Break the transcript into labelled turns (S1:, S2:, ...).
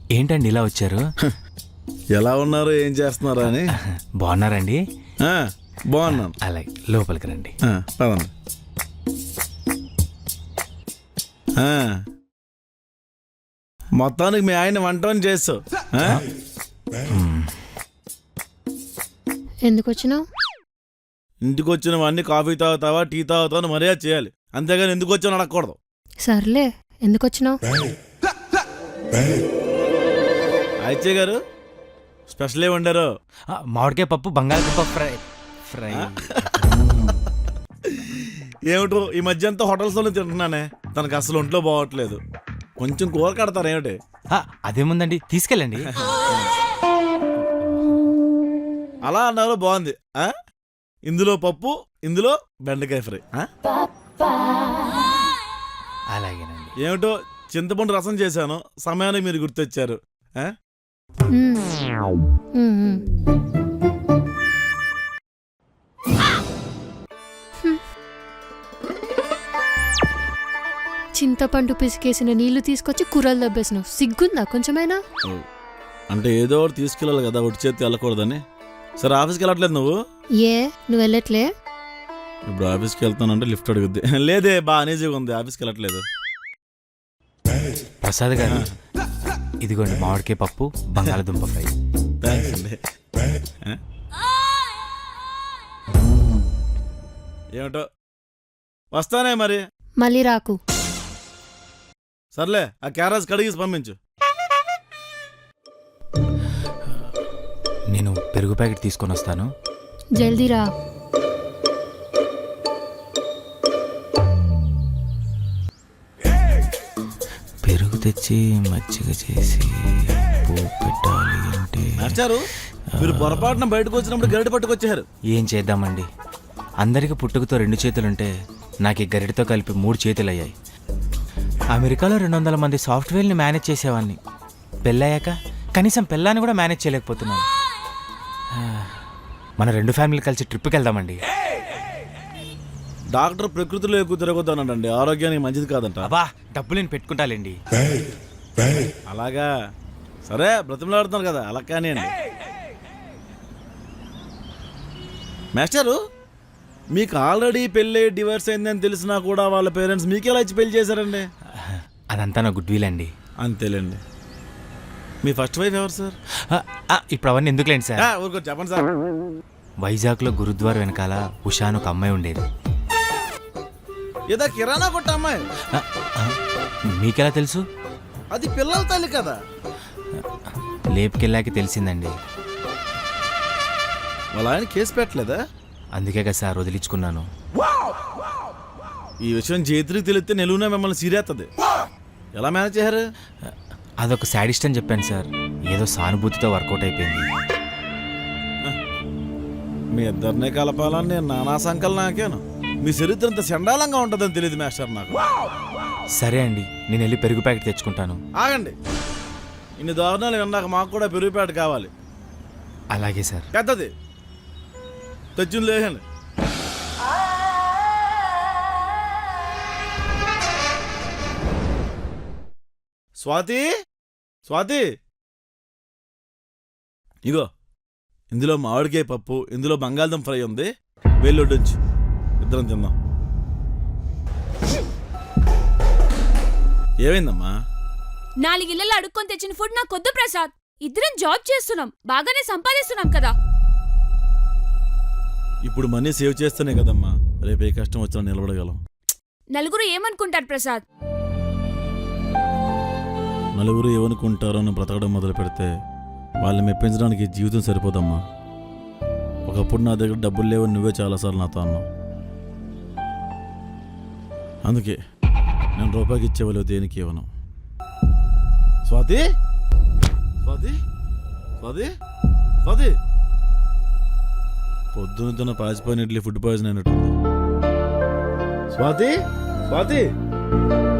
S1: ఏంటండి ఇలా వచ్చారు?
S2: ఎలా ఉన్నారు, ఏం చేస్తున్నారు అని.
S1: బాగున్నారండి?
S2: బాగున్నాను.
S1: అలాగే లోపలికి రండి.
S2: పదండి. మొత్తానికి మీ ఆయన వంటని చేస్తావు.
S3: ఎందుకు వచ్చినావు?
S2: ఇంటికి వచ్చినవన్నీ కాఫీ తాగుతావా, టీ తాగుతావా అని మర్యాద చేయాలి, అంతేగాని ఎందుకు వచ్చావు అడగకూడదు.
S3: సర్లే, ఎందుకు వచ్చినావు?
S2: అయితే గారు స్పెషల్ ఏ వండారు?
S1: మామిడికాయ పప్పు, బంగాళదుంప ఫ్రై.
S2: ఏమిటో ఈ మధ్య అంతా హోటల్స్లోనే తింటున్నానే, తనకు అసలు ఒంట్లో బాగోట్లేదు. కొంచెం కూర కడతారు ఏమిటి?
S1: అదేముందండి, తీసుకెళ్ళండి.
S2: అలా అన్నారు, బాగుంది. ఇందులో పప్పు, ఇందులో బెండకాయ ఫ్రై.
S1: అలాగేనండి.
S2: ఏమిటో చింతపండు రసం చేశాను, సమయానికి మీరు గుర్తొచ్చారు.
S3: చింతపండు పిసికేసిన నీళ్లు తీసుకొచ్చి కూరలు దబ్బేసినావు. సిగ్గుందా కొంచెమైనా?
S2: అంటే ఏదో ఒకటి తీసుకెళ్ళాలి కదా, ఒట్టి చేతి వెళ్ళకూడదని. సరే ఆఫీస్కి వెళ్ళట్లేదు నువ్వు?
S3: నువ్వు వెళ్ళట్లే?
S2: ఇప్పుడు ఆఫీస్కి వెళ్తానంటే లిఫ్ట్ అడుగుద్ది. లేదే, బాగా అనేజీగా ఉంది, ఆఫీస్కి వెళ్ళట్లేదు.
S1: ప్రసాద్ గారు, ఇదిగోండి మామిడికాయ పప్పు, బంగాళదుంప ఫ్రై.
S2: థ్యాంక్స్ అండి. ఏమిటో వస్తానే మరి.
S3: మళ్ళీ రాకు.
S2: సర్లే, ఆ క్యారెట్స్ కడిగేసి పంపించు.
S1: నేను పెరుగు ప్యాకెట్ తీసుకొని వస్తాను.
S3: జల్దీ రా.
S1: పెరుగు తెచ్చి మజ్జిగ చేసి పెట్టాలి అంటే
S2: నచ్చారు. మీరు పొరపాటున బయటకు వచ్చినప్పుడు గరిటె పట్టుకొచ్చారు.
S1: ఏం చేద్దామండి, అందరికి పుట్టుకతో 2 చేతులుంటే నాకు ఈ గరిటతో కలిపి 3 చేతులు అయ్యాయి. అమెరికాలో 200 మంది సాఫ్ట్వేర్ని మేనేజ్ చేసేవాడిని. పెళ్ళయ్యాక కనీసం పెళ్ళాన్ని కూడా మేనేజ్ చేయలేకపోతున్నాను. మన 2 ఫ్యామిలీలు కలిసి ట్రిప్కి వెళ్దామండి.
S2: డాక్టర్ ప్రకృతిలో ఎక్కువ తిరగొద్దన్నాడండి, ఆరోగ్యానికి మంచిది కాదంట.
S1: అబ్బా, డబ్బులు నేను పెట్టుకుంటాలేండి.
S2: అలాగా, సరే బ్రతిమలాడుతున్నారు కదా, అలా కానీ అండి. మాస్టరు, మీకు ఆల్రెడీ పెళ్ళి డివోర్స్ అయిందని తెలిసినా కూడా వాళ్ళ పేరెంట్స్ మీకెలా ఇచ్చి పెళ్లి చేశారండి?
S1: అదంతా నా గుడ్ విల్ అండి.
S2: అంతేలేండి. మీ ఫస్ట్ వైఫ్ ఎవరు సార్?
S1: ఇప్పుడు అవన్నీ ఎందుకులేండి సార్.
S2: ఊరుకో చెప్పండి సార్.
S1: వైజాగ్లో గురుద్వార వెనకాల ఉషాను ఒక అమ్మాయి ఉండేది.
S2: ఏదో కిరాణా కొట్ట అమ్మాయి.
S1: మీకెలా తెలుసు?
S2: అది పిల్లల తల్లి కదా.
S1: లేపుకెళ్ళాక తెలిసిందండి.
S2: వాళ్ళ ఆయన కేసు పెట్టలేదా?
S1: అందుకే కదా సార్ వదిలించుకున్నాను.
S2: ఈ విషయం చేతికి తెలిస్తే నిలువునే మిమ్మల్ని సీరేస్తుంది. ఎలా మేనేజ్ చేశారు?
S1: అదొక శాడిస్ట్ అని చెప్పాను సార్, ఏదో సానుభూతితో వర్కౌట్ అయిపోయింది.
S2: మీ ఇద్దరినే కలపాలని నేను నానా సంకల్ నాకేను. మీ చరిత్ర ఇంత చండాలంగా ఉంటుందని తెలియదు మాస్టర్ నాకు.
S1: సరే అండి, నేను వెళ్ళి పెరుగు ప్యాకెట్ తెచ్చుకుంటాను.
S2: ఆగండి, ఇన్ని దారుణాలు విన్నాక మాకు కూడా పెరుగు ప్యాకెట్ కావాలి.
S1: అలాగే సార్.
S2: పెద్దది తెచ్చింది లేదండి. స్వాతి, స్వాతి, ఇగో ఇందులో మామిడికాయ పప్పు, ఇందులో బంగాళదుంప ఫ్రై ఉంది, వెళ్ళొడ్డొచ్చు, ఇద్దరం తిందాం. ఏమైందమ్మా?
S4: 4 ఇళ్ళల్లో అడుక్కొని తెచ్చిన ఫుడ్ నాకొద్దు ప్రసాద్. ఇద్దరం జాబ్ చేస్తున్నాం, బాగానే సంపాదిస్తున్నాం కదా.
S2: ఇప్పుడు మనీ సేవ్ చేస్తేనే కదమ్మా రేపు ఏ కష్టం వచ్చినా నిలబడగలం.
S4: నలుగురు ఏమనుకుంటారు ప్రసాద్?
S2: నలుగురు ఏమనుకుంటారో అని బ్రతకడం మొదలు పెడితే వాళ్ళని మెప్పించడానికి జీవితం సరిపోదమ్మా. ఒకప్పుడు నా దగ్గర డబ్బులు లేవని నువ్వే చాలాసార్లు నాతో అన్నావు. అందుకే నేను రూపాయికి ఇచ్చేవాళ్ళు దేనికి ఇవ్వను. స్వాతి, స్వాతి, స్వాతి, స్వాతి, పొద్దున పాచిపోయిన ఇడ్లీ ఫుడ్ పాయిజన్ అయినట్టుంది. స్వాతి, స్వాతి.